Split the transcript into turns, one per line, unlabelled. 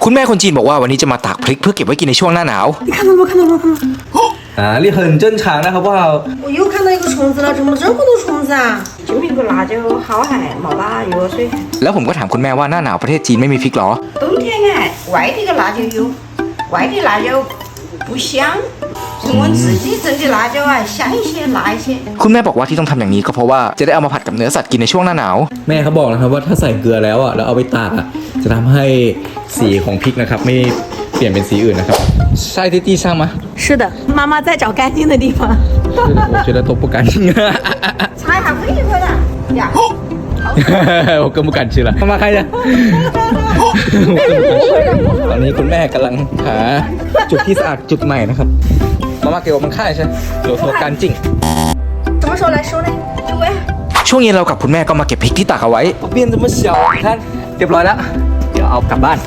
คุณแม่คนจีนบอกว่าวันนี้จะมาตากพริกเพื่อเก็บไว้กินในช่วงหน้าหนาว
你看到吗？看到吗？看到吗？
你很正常的好不好？
我又看到一个虫子了，怎么这么多虫子啊？
就一个辣椒好海冇打药水，
แล้วผมก็ถามคุณแม่ว่าหน้าหนาวประเทศจีนไม่มีพริกหรอ
冬天哎，外地的辣椒有，外地辣椒不香，是我们自己整的辣椒啊，香一些，辣一些。
คุณแม่บอกว่าที่ต้องทำอย่างนี้ก็เพราะว่าจะได้เอามาผัดกับเนื้อสัตว์กินในช่วงหน้าหนาว
แม่เขาบอกนะครับว่าถ้าใส่เกลือแล้วอ่ะแล้วเอาไปตากอ่ะจะทำให้สีของพริกนะครับไม่เปลี่ยนเป็นสีอื่นนะครับใช่ที่上吗
是的，妈妈在找干净的地方。
我觉得都不干净
擦一下灰就可以了。呀，
我更不敢吃了มาใครเนี่ยตอนนี้คุณแม่กำลังหาจุดที่สะอาดจุดใหม่นะครับมาเกี่ยวมันค่ายใช่เกี่ยวกับการจิ้ง
什么时候来收呢？就问。
ช่วงเย็นเรากับคุณแม่ก็มาเก็บพริกที่ตากเอาไว้
变这么小看เรียบร้อยแล้วเดี๋ยวเอากลับบ้าน